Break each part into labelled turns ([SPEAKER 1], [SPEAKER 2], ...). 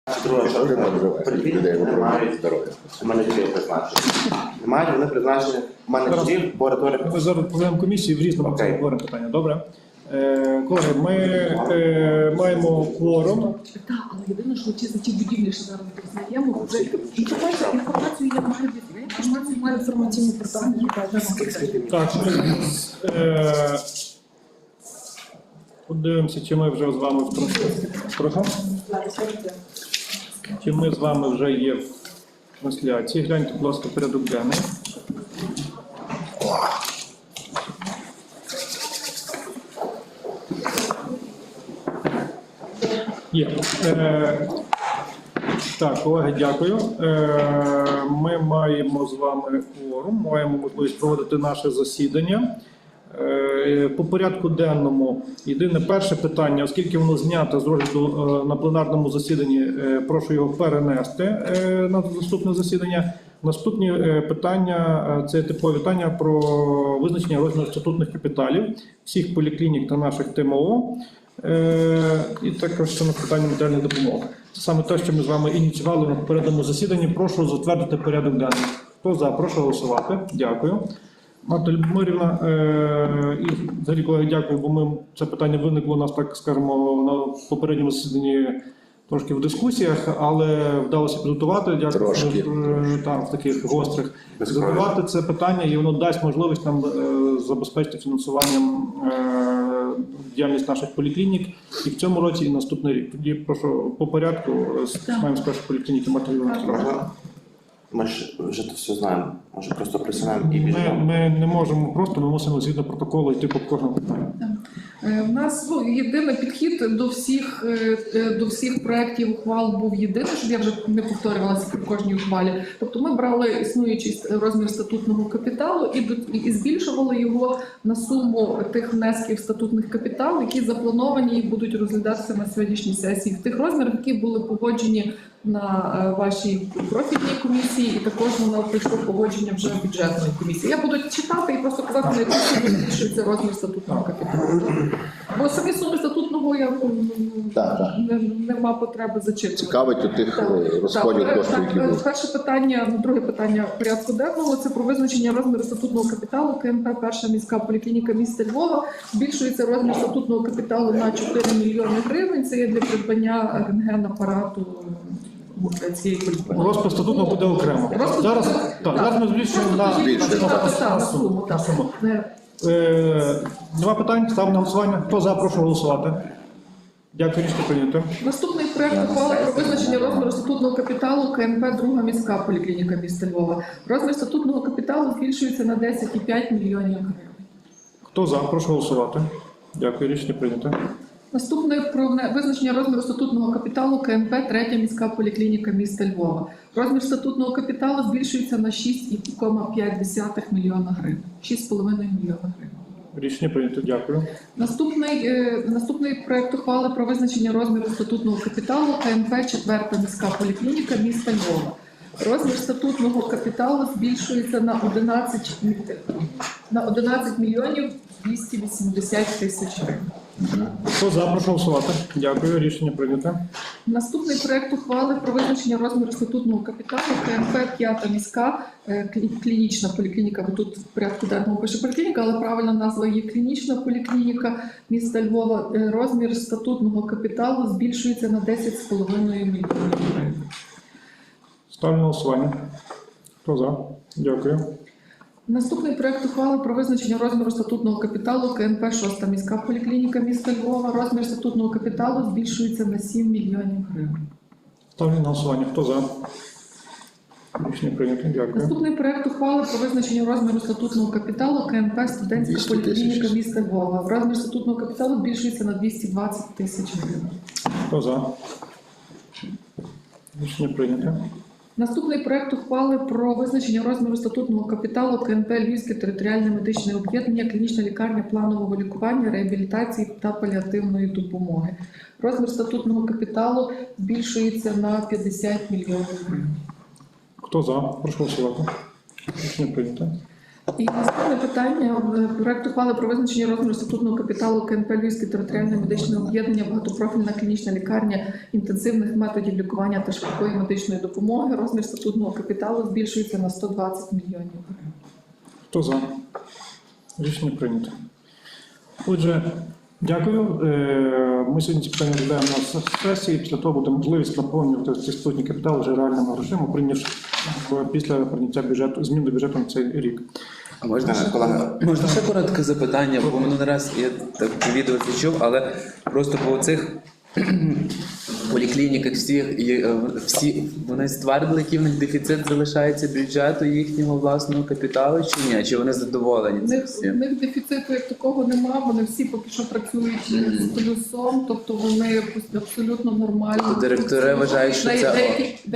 [SPEAKER 1] Немає, вони призначені менеджерів, лабораторії.
[SPEAKER 2] Ми зараз проведемо комісію в різному говоримо питання. Добре. Колеги, ми маємо кворум.
[SPEAKER 3] Так, але єдине, що ті будівлі, що зараз признаємо, вже інформацію я маю від інформаційну питання.
[SPEAKER 2] Так, подивимося, чи ми вже з вами в трансляції. Чи ми з вами вже є в трансляції. Гляньте, будь ласка, порядок денний. Є. Так, колеги, дякую. Ми маємо з вами кворум, маємо можливість проводити наше засідання. По порядку денному єдине перше питання, оскільки воно знято з розгляду на пленарному засіданні, прошу його перенести на наступне засідання. Наступні питання – це типові питання про визначення розміру статутних капіталів всіх поліклінік та наших ТМО. І також саме питання матеріальної допомоги. Це саме те, що ми з вами ініціювали на попередньому засіданні. Прошу затвердити порядок денний. Хто за? Прошу голосувати. Дякую. Марта Любомирівна, і взагалі, колеги, дякую, бо це питання виникло у нас, так скажемо, на попередньому засіданні трошки в дискусіях, але вдалося підготувати, дякую, там, в таких гострих, підготувати це питання, і воно дасть можливість нам забезпечити фінансуванням діяльність наших поліклінік і в цьому році, і наступний рік. Тоді прошу по порядку, маємо спершу поліклініки Марта Любомирівна.
[SPEAKER 1] Ми ж вже це все знаємо. Може просто присунемо і біжимо.
[SPEAKER 2] Ми не можемо просто, ми мусимо згідно протоколу йти по кожному питанню.
[SPEAKER 3] У нас єдиний підхід до всіх проєктів ухвал був єдиний, щоб я вже не повторювалася при кожній ухвалі. Тобто ми брали існуючий розмір статутного капіталу і збільшували його на суму тих внесків статутних капіталів, які заплановані і будуть розглядатися на сьогоднішній сесії. В тих розмірах, які були погоджені на вашій профільній комісії, і також воно прийшло погодження вже бюджетної комісії. Я буду читати і просто казати, на яку суму збільшується розмір статутного капіталу. Бо самі суми статутного я нема потреби зачитувати.
[SPEAKER 4] Цікавить у тих розходів коштів, які будуть.
[SPEAKER 3] Перше питання, друге питання порядку денного – це про визначення розміру статутного капіталу КНП «Перша міська поліклініка міста Львова». Збільшується розмір статутного капіталу на 4 мільйони гривень. Це є для придбання рентген-апарату цієї поліклініки.
[SPEAKER 2] Розпис статутного буде окремо. Зараз ми збільшуємо на суму. Нема питань? Ставимо на голосування. Хто за, прошу голосувати. Дякую, рішення прийнято.
[SPEAKER 3] Наступний проект ухвали про визначення розміру статутного капіталу КНП «Друга міська поліклініка міста Львова». Розмір статутного капіталу збільшується на 10,5 мільйонів гривень.
[SPEAKER 2] Хто за, прошу голосувати. Дякую, рішення прийнято.
[SPEAKER 3] Наступне про визначення розміру статутного капіталу КНП «Третя міська поліклініка міста Львова». Розмір статутного капіталу збільшується на 6,5 мільйона гривень. 6,5 мільйона гривень.
[SPEAKER 2] Рішення прийнято, дякую.
[SPEAKER 3] Наступний проект ухвали про визначення розміру статутного капіталу КНП «Четверта міська поліклініка міста Львова». Розмір статутного капіталу збільшується на 11 мільйонів 280 тисяч гривень.
[SPEAKER 2] Хто за, прошу голосувати. Дякую, рішення прийнято.
[SPEAKER 3] Наступний проект ухвали про визначення розміру статутного капіталу КНП «П'ята міська клінічна поліклініка». Бо тут в порядку денному пише поліклініка, але правильна назва є клінічна поліклініка міста Львова. Розмір статутного капіталу збільшується на 10,5 мільйонів гривень.
[SPEAKER 2] Ставлю на голосування. Хто за? Дякую.
[SPEAKER 3] Наступний проект ухвали про визначення розміру статутного капіталу КНП «Шоста міська поліклініка міста Львова». Розмір статутного капіталу збільшується на 7 мільйонів гривень.
[SPEAKER 2] Ставлю на голосування. Хто за? Рішення прийнято. Дякую.
[SPEAKER 3] Наступний проект ухвали про визначення розміру статутного капіталу КНП «Студентська поліклініка міста Львова». Розмір статутного капіталу збільшується на 220 тисяч гривень.
[SPEAKER 2] Хто за? Рішення прийнято.
[SPEAKER 3] Наступний проект ухвали про визначення розміру статутного капіталу КНП «Львівське територіальне медичне об'єднання, клінічна лікарня планового лікування, реабілітації та паліативної допомоги». Розмір статутного капіталу збільшується на 50 мільйонів гривень.
[SPEAKER 2] Хто за? Прошу голосувати. Рішення прийнято.
[SPEAKER 3] І наступне питання. Проект ухвали про визначення розміру статутного капіталу КНП Львівське територіальне медичне об'єднання, багатопрофільна клінічна лікарня інтенсивних методів лікування та швидкої медичної допомоги. Розмір статутного капіталу збільшується на 120 мільйонів гривень.
[SPEAKER 2] Хто за? Рішення прийнято. Отже, дякую. Ми сьогодні ці питання розглядаємо на сесії. Після того буде можливість наповнювати ці статутні капітали вже реальними грошима, прийнявши після прийняття бюджету, змін до бюджету на цей рік.
[SPEAKER 5] А можна ще,
[SPEAKER 1] Колега.
[SPEAKER 5] можна ще коротке запитання, бо минулий раз я так відео це чув, але просто по цих поліклініках всі вони ствердили, який в них дефіцит залишається бюджету їхнього власного капіталу чи ні? Чи вони задоволені
[SPEAKER 3] У
[SPEAKER 5] цим
[SPEAKER 3] них,
[SPEAKER 5] всім?
[SPEAKER 3] у них дефіциту як такого нема, вони всі поки що працюють з плюсом, тобто вони абсолютно нормально.
[SPEAKER 5] То директори вважають, що це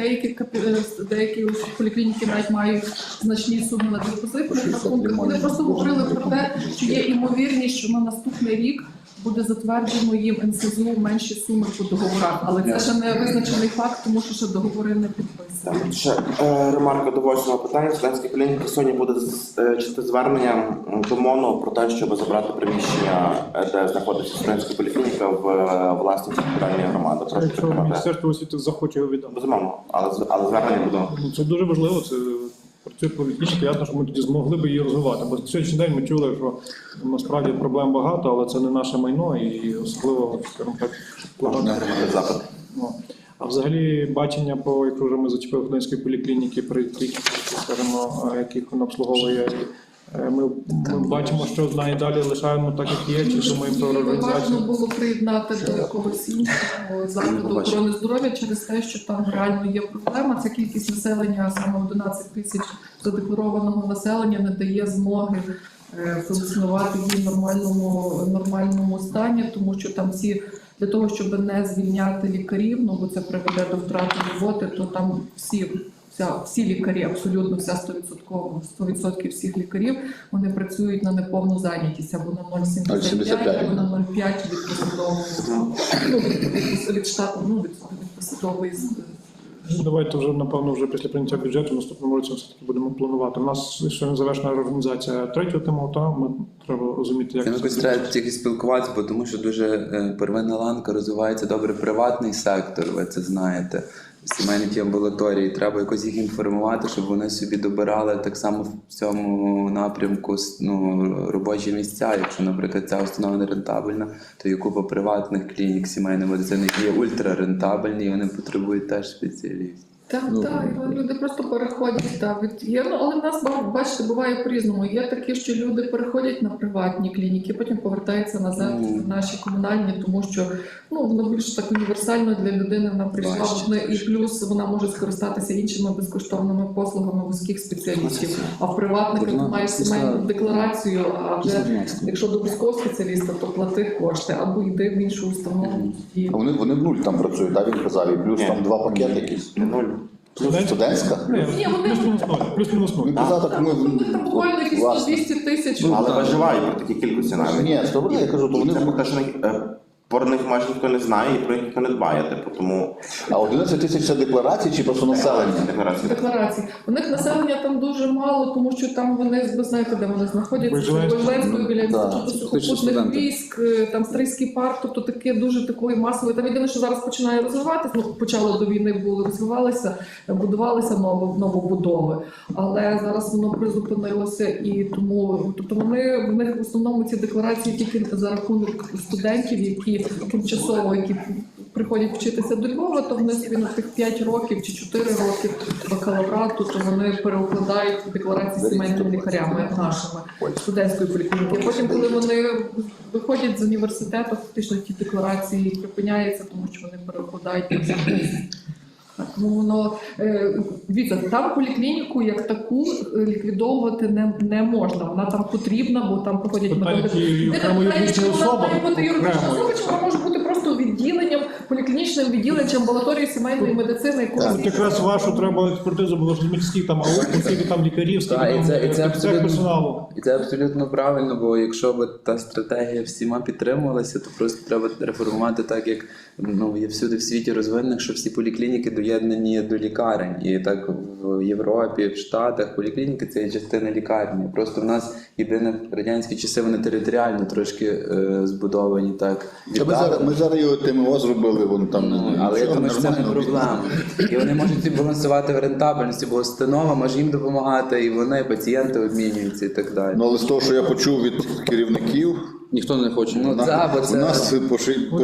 [SPEAKER 3] Деякі поліклініки навіть мають значні суми на депозитних рахунках. Вони просто говорили про те, що є імовірність, що на наступний рік буде затверджено їм НСЗУ менші суми по договорах, але це ще не визначений факт, тому що ще договори не підписані.
[SPEAKER 1] Так, ще ремарка до 8-го питання. Студентська поліклініка сьогодні буде чисте звернення до МОНу про те, щоб забрати приміщення, де знаходиться студентська поліклініка в власність територіальної громади. Прошу
[SPEAKER 2] Якщо
[SPEAKER 1] підтримати.
[SPEAKER 2] Міністерство освіти захоче його віддати.
[SPEAKER 1] Безумовно, але звернення буде.
[SPEAKER 2] Ну, це дуже важливо, це працює політично, ясно, що ми тоді змогли б її розвивати. Бо на сьогоднішній день ми чули, що насправді проблем багато, але це не наше майно і особливо, скажімо так,
[SPEAKER 1] Можна отримати запит.
[SPEAKER 2] Ну, а взагалі бачення по, якщо вже ми зачепили Хмельницької поліклініки, при тих, скажімо, яких вона обслуговує, ми бачимо, що надалі лишаємо так, як є, чи думаємо про
[SPEAKER 3] Важливо
[SPEAKER 2] організацію.
[SPEAKER 3] було приєднати до якогось іншого закладу охорони здоров'я через те, що там реально є проблема. Ця кількість населення, саме 11 тисяч задекларованого населення, не дає змоги функціонувати їй в нормальному стані, тому що там для того, щоб не звільняти лікарів, ну бо це приведе до втрати роботи, то там всі лікарі, абсолютно вся 100% всіх лікарів, вони працюють на неповну зайнятість або на 0,75, або на 0,5 від посадового, від штату, від посадової.
[SPEAKER 2] Давайте вже, напевно, вже після прийняття бюджету в наступному році все-таки будемо планувати. У нас ще не завершена організація третього тему, та ми треба розуміти, як
[SPEAKER 5] Там якось треба тільки спілкуватися, бо тому що дуже первинна ланка розвивається добре приватний сектор, ви це знаєте. Сімейні ті амбулаторії, треба якось їх інформувати, щоб вони собі добирали так само в цьому напрямку робочі місця. Якщо, наприклад, ця установа не рентабельна, то є купа приватних клінік сімейної медицини, які є ультрарентабельні, і вони потребують теж спеціалістів.
[SPEAKER 3] Так, люди просто переходять але в нас, бачите, буває по-різному. Є такі, що люди переходять на приватні клініки, потім повертаються назад в наші комунальні, тому що воно більш так універсально для людини вона прийшла, і плюс вона може скористатися іншими безкоштовними послугами вузьких спеціалістів. А в приватниках ти маєш сімейну декларацію, а вже якщо до вузького спеціаліста, то плати кошти або йди в іншу установу.
[SPEAKER 4] А вони в нуль там працюють, так, він казав, і плюс там 2 пакети якісь. Студентська?
[SPEAKER 3] Ні,
[SPEAKER 2] плюс-мінус нуль.
[SPEAKER 4] Він казав, так ми...
[SPEAKER 3] Там буквально якісь 200 тисяч.
[SPEAKER 1] Але виживає при такій кількості навіть.
[SPEAKER 4] Ні, добре, я кажу, то вони...
[SPEAKER 1] Це те, що про них майже ніхто не знає і про них ніхто не дбає. Тому...
[SPEAKER 4] А 11 тисяч це декларації чи просто населення?
[SPEAKER 3] Декларації. У них населення там дуже мало, тому що там ви знаєте, де вони знаходяться. Вижленською біля інституту сухопутних військ, там Стрийський парк, тобто таке дуже такої масової. Там єдине, що зараз починає розвиватися, почало до війни розвивалися, будувалися новобудови, але зараз воно призупинилося і тому, тобто в них в основному ці декларації тільки за рахунок студентів, які тимчасово, які приходять вчитися до Львова, то вони собі на тих 5 років чи 4 роки бакалаврату, то вони переукладають декларації сімейними лікарями, як нашими, студентської поліклініки. Потім, коли вони виходять з університету, фактично ті декларації припиняються, тому що вони переукладають. Тому воно дивіться, там поліклініку як таку ліквідовувати не можна. Вона там потрібна, бо там проходять методи. Вона може бути просто відділенням, поліклінічним відділенням чи амбулаторії сімейної медицини.
[SPEAKER 2] Якраз вашу треба експертизу було розуміти, скільки там аукцій, скільки там лікарів, скільки там персоналу.
[SPEAKER 5] І це абсолютно правильно, бо якщо б та стратегія всіма підтримувалася, то просто треба реформувати так, як є всюди в світі розвинених, що всі поліклініки доєднані до лікарень. І так в Європі, в Штатах поліклініки це є частина лікарні. Просто в нас єдине в радянські часи вони територіально трошки збудовані так.
[SPEAKER 4] Ми зараз його ТМО зробили, вон там.
[SPEAKER 5] Але я
[SPEAKER 4] нічого,
[SPEAKER 5] думаю, що це не
[SPEAKER 4] нормально.
[SPEAKER 5] проблема. І вони можуть собі балансувати в рентабельності, бо установа може їм допомагати, і вони, пацієнти обмінюються і так далі.
[SPEAKER 4] Ну, але з того, що я почув від керівників,
[SPEAKER 6] Ніхто не хоче.
[SPEAKER 5] Ну, так, бо
[SPEAKER 4] у
[SPEAKER 5] це...
[SPEAKER 4] нас по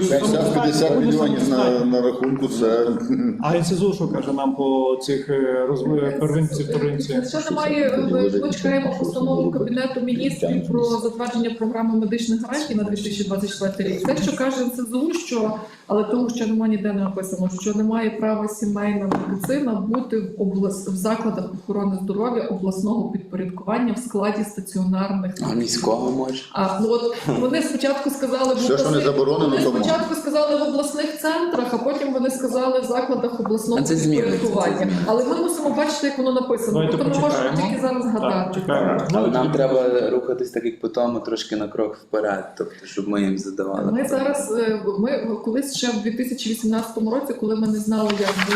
[SPEAKER 4] 60-50 мільйонів на рахунку, це...
[SPEAKER 2] А НСЗУ що каже нам по цих первинці, вторинці?
[SPEAKER 3] Ще немає, ми чекаємо постанову Кабінету міністрів про затвердження програми медичних гарантій на 2024 рік. Те, що каже НСЗУ, що, але того, що немає ніде не написано, що немає права сімейна медицина бути в закладах охорони здоров'я обласного підпорядкування в складі стаціонарних.
[SPEAKER 5] А міського може?
[SPEAKER 3] Ну от вони спочатку сказали
[SPEAKER 4] Все, що не заборонено,
[SPEAKER 3] вони
[SPEAKER 4] тому.
[SPEAKER 3] спочатку сказали в обласних центрах, а потім вони сказали в закладах обласного
[SPEAKER 5] А це зміниться,
[SPEAKER 3] підпорядкування.
[SPEAKER 5] це зміниться.
[SPEAKER 3] Але ми мусимо бачити, як воно написано.
[SPEAKER 2] Давайте
[SPEAKER 3] Тобто ми можемо
[SPEAKER 2] почекаємо.
[SPEAKER 3] тільки зараз
[SPEAKER 2] Так,
[SPEAKER 3] згадати.
[SPEAKER 2] чекаємо.
[SPEAKER 5] Але нам треба рухатись так, як по тому, трошки на крок вперед, тобто, щоб ми їм задавали.
[SPEAKER 3] Ми зараз, ми колись ще в 2018 році, коли ми не знали,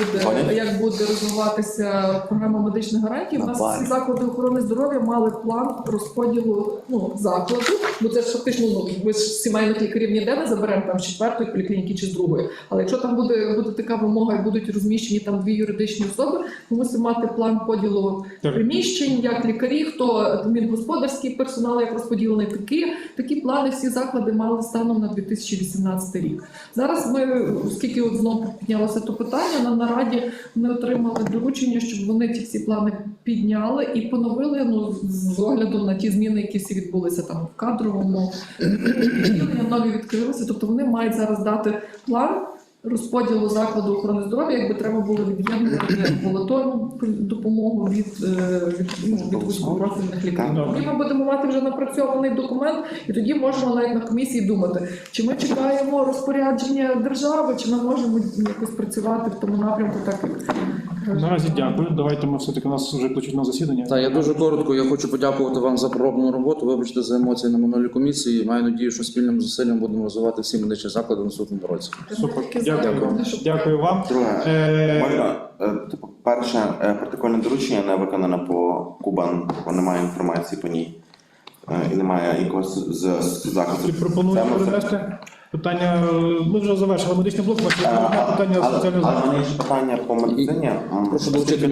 [SPEAKER 3] як буде розвиватися програма медичних гарантій, у нас всі заклади охорони здоров'я мали план розподілу закладу, бо це ж фактично, ми ж сімейних лікарів ніде не заберемо там з 4-ї поліклініки чи з 2-ї. Але якщо там буде така вимога і будуть розміщені там 2 юридичні особи, ми мусимо мати план поділу приміщень, як лікарі, хто адмінгосподарський персонал, як розподілений, такі плани всі заклади мали станом на 2018 рік. Зараз ми, оскільки от знову піднялося то питання, на нараді ми отримали доручення, щоб вони ті всі плани підняли і поновили, з оглядом на ті зміни, які всі відбулися там в кадровому відділенні, нові відкрилися. Тобто вони мають зараз дати план розподілу закладу охорони здоров'я, якби треба було від'єднувати амбулаторну допомогу від вузькопрофільних лікарів. Тоді ми будемо мати вже напрацьований документ, і тоді можемо навіть на комісії думати, чи ми чекаємо розпорядження держави, чи ми можемо якось працювати в тому напрямку, так як
[SPEAKER 2] Наразі дякую. Давайте ми все-таки, у нас вже кличуть на засідання.
[SPEAKER 6] Так, я дуже коротко. Я хочу подякувати вам за проробну роботу. Вибачте за емоції на минулій комісії. Маю надію, що спільним зусиллям будемо розвивати всі медичні заклади в наступному році.
[SPEAKER 2] Супер.
[SPEAKER 3] Дякую.
[SPEAKER 2] Дякую вам.
[SPEAKER 1] Друге, можна, перше, протокольне доручення не виконано по Кубан, бо немає інформації по ній. І немає якогось з заходу.
[SPEAKER 2] Ти пропонуєш перенести питання, ми вже завершили медичний блок, питання соціального
[SPEAKER 1] Але в
[SPEAKER 2] захисту.
[SPEAKER 1] мене є ще питання по медицині.
[SPEAKER 6] Прошу долучити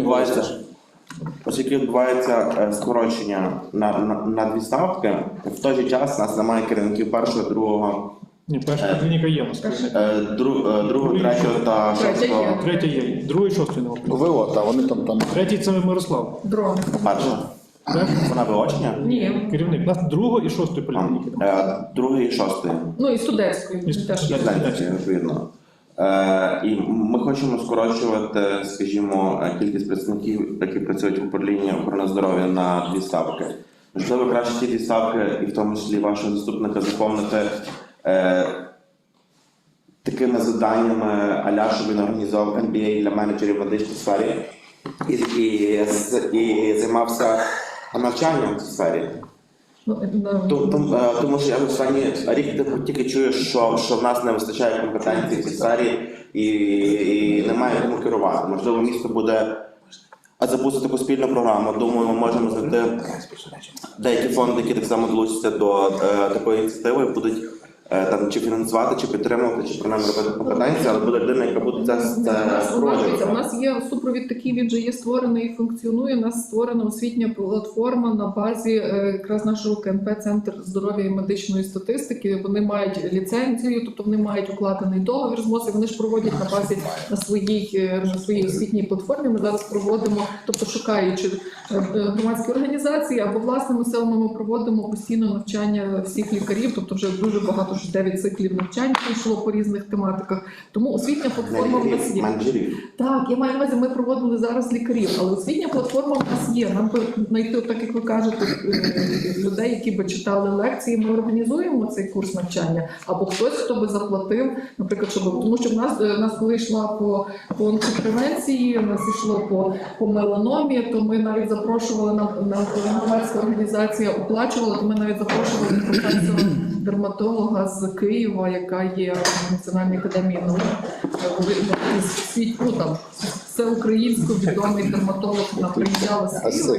[SPEAKER 1] Оскільки відбувається скорочення на 2 ставки, в той же час у нас немає керівників першого, другого,
[SPEAKER 2] Ні, перша клініка є у нас.
[SPEAKER 1] другого, третього та шостого.
[SPEAKER 2] Третя є, другий, шостий не
[SPEAKER 4] ВО, та вони там.
[SPEAKER 2] Третій це Мирослав.
[SPEAKER 3] дрон.
[SPEAKER 1] Перша. Вона вилучення?
[SPEAKER 3] Ні.
[SPEAKER 2] Керівник. У нас другого і шостої поліклініки.
[SPEAKER 1] Другий і шостий.
[SPEAKER 3] І студентської.
[SPEAKER 2] І
[SPEAKER 3] теж є.
[SPEAKER 1] Знаєте, відповідно. І ми хочемо скорочувати, скажімо, кількість представників, які працюють в управлінні охорони здоров'я на 2 ставки. Можливо, краще ті 2 ставки, і в тому числі вашого заступника, заповнити такими заданнями, а-ля, щоб він організував MBA для менеджерів в медичній сфері і займався навчанням в цій сфері. Тому що я в останній рік тільки чую, що в нас не вистачає компетенцій в цій сфері і немає кому керувати. Можливо, місто буде запустити таку спільну програму. Думаю, ми можемо знайти деякі фонди, які так само долучаться до такої ініціативи, будуть там чи фінансувати, чи підтримувати, чи принаймні робити компетенції, але буде людина, яка буде це впроваджувати.
[SPEAKER 3] У нас є супровід такий, він вже є створений і функціонує. У нас створена освітня платформа на базі якраз нашого КНП Центр здоров'я і медичної статистики. Вони мають ліцензію, тобто вони мають укладений договір з МОЗ, і вони ж проводять на базі на своїй освітній платформі. Ми зараз проводимо, тобто шукаючи громадські організації або власними силами, ми проводимо постійно навчання всіх лікарів, тобто вже дуже багато, вже 9 циклів навчань пройшло по різних тематиках. Тому освітня платформа в нас є. Так, я маю на увазі, ми проводили зараз лікарів, але освітня платформа в нас є. Нам би знайти, так як ви кажете, людей, які би читали лекції, ми організуємо цей курс навчання. Або хтось, хто би заплатив, наприклад, тому що в нас коли йшла по онкопревенції, у нас йшло по меланомі, то ми навіть запрошували на громадська організація оплачувала, то ми навіть запрошували професора дерматолога з Києва, яка є в Національній академії наук, всеукраїнсько відомий дерматолог, вона приїжджала з Києва.